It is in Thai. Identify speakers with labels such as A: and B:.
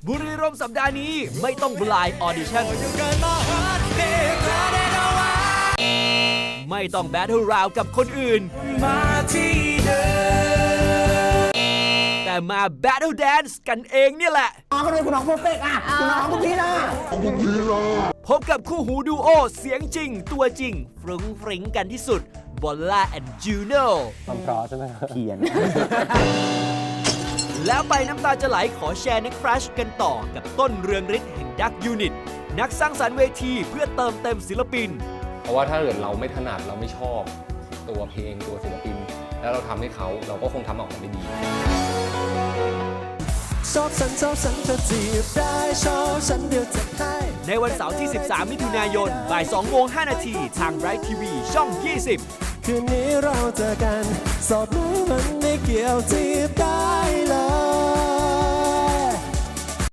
A: บุรีรัมย์สัปดาห์นี้ไม่ต้องบลายออดิชั่นไม่ต้องแบทเทิลราวกับคนอื่นมาที่เดิมแต่มาแบทเทิลแดนซ์กันเองเนี่ยแหละ
B: น้องก็เลยคุณน้องเพอร์เฟกต์อ่ะคุณน้องคุณพี่ล่ะ
A: พบกับคู่หูดูโอเสียงจริงตัวจริงฟรุ้งฟริ้งกันที่สุดบอลล่าแอนด์จูโน่
C: ความเพราะใช่ไหมเขียน
A: แล้วไปน้ำตาจะไหลขอแชร์ในครัชกันต่อกับต้นเรืองฤทธิ์แห่งดักยูนิตนักสร้างสรรค์เวทีเพื่อเติมเต็มศิลปิน
D: เพราะว่าถ้าเกิดเราไม่ถนัดเราไม่ชอบตัวเพลงตัวศิลปินแล้วเราทำให้เขาเราก็คงทำออกมาไม่ดี
A: ชอบฉันเธอจีบได้ชอบฉันเดียวจะให้ในวันเสาร์ที่ 13 มิถุนายนบ่าย 2:05 นาทีทาง Bright TV ช่อง 20
E: คืนนี้เราเจอกันสอบไหมมันไม่เกี่ยวจีบได้เลย